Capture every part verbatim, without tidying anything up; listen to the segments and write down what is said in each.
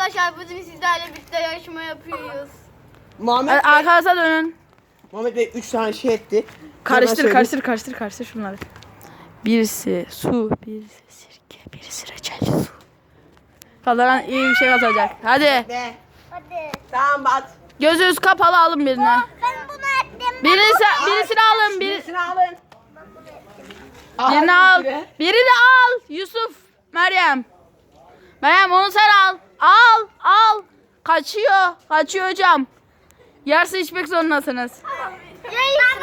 Arkadaşlar bugün sizlerle birlikte yarışma yapıyoruz. Muhammed Hadi Bey, arkanıza dönün. Muhammed Bey üç tane şey etti. Karıştır Hemen karıştır karıştır karıştır şunları. Birisi su, birisi sirke, birisi reçelli su. Kazanan iyi bir şey kazanacak. Hadi. söyleyeyim. Hadi. Tamam bat. Gözünüz kapalı alın birini. Ben bunu ettim. Birisi, birisini alın. Bir, Birisini alın. birini al. Birini al. Yusuf, Meryem. Meryem onu sen al. Al, al. Kaçıyor. Kaçıyor hocam. Yarısı içmek zorundasınız. Ya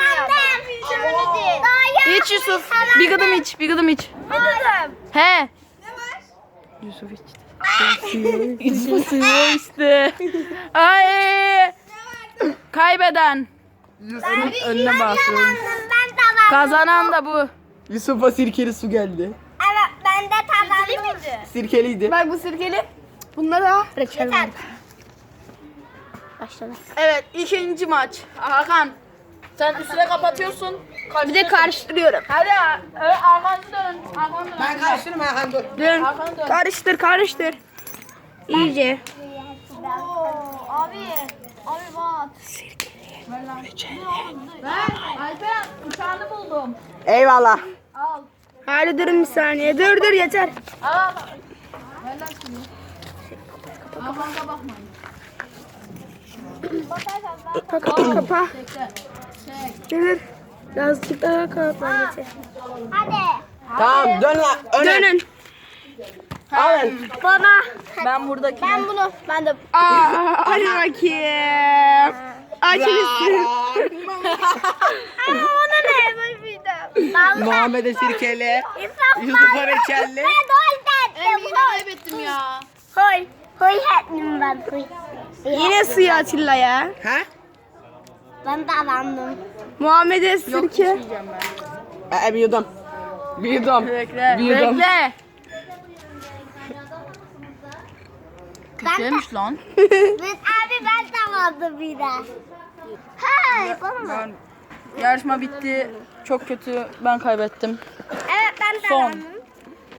ben İç Yusuf. Bir gıdım iç. Bir gıdım iç. He. Yusuf içti. Yusuf suyu içti. Ay. Kaybeden. Yusuf'un önüne basıyorum. Ben tamam. Kazanan da bu. Yusuf'a sirkeli su geldi. Evet ben de tamam. Sirkeliydi. Bak bu sirkeli. Bunda da reçel var. Başladı. Evet ikinci maç. Hakan. Sen üstüne kapatıyorsun. Bir de karıştırıyorum. Hadi evet, arkanızı dönün. Arkanızı dönün. Ben karıştırdım Hakan dur. Dön. Arkanı dön. Karıştır karıştır. İyice. Abi. Abi bak. Ben Alperen uçağını buldum. Eyvallah. Al. Hadi durun bir saniye. Dur dur yeter. Al. Ver lan şunu. Arkana bakmayın. Kapa kapa. Bekle. Çek. Dur. Birazcık daha kapa yeter. Tamam dön lan. Öne. Dönün. Alın. Bana. Ben buradaki. Ben bunu. Ben de. Aa, hadi bakayım. Açın üstünü. Ama ona ne? Ben bildim. Muhammed'e sirkeli. Yusuf'a reçelli. Ben yine kaybettim ya. Hoy. Hoy ettim ben. Hoy. Yine suya Atilla ya. Ha? Ben de alandım. Muhammed'e sirke. İçmeyeceğim ben. Ee, bir yudum. Bir yudum. Bekle. Bir yudum. Bekle. Kötüymüş lan. Ben abi ben de aldım bir de. Ha yapalım mı? Ben, yarışma bitti. Çok kötü. Ben kaybettim. Evet ben de Son. aldım.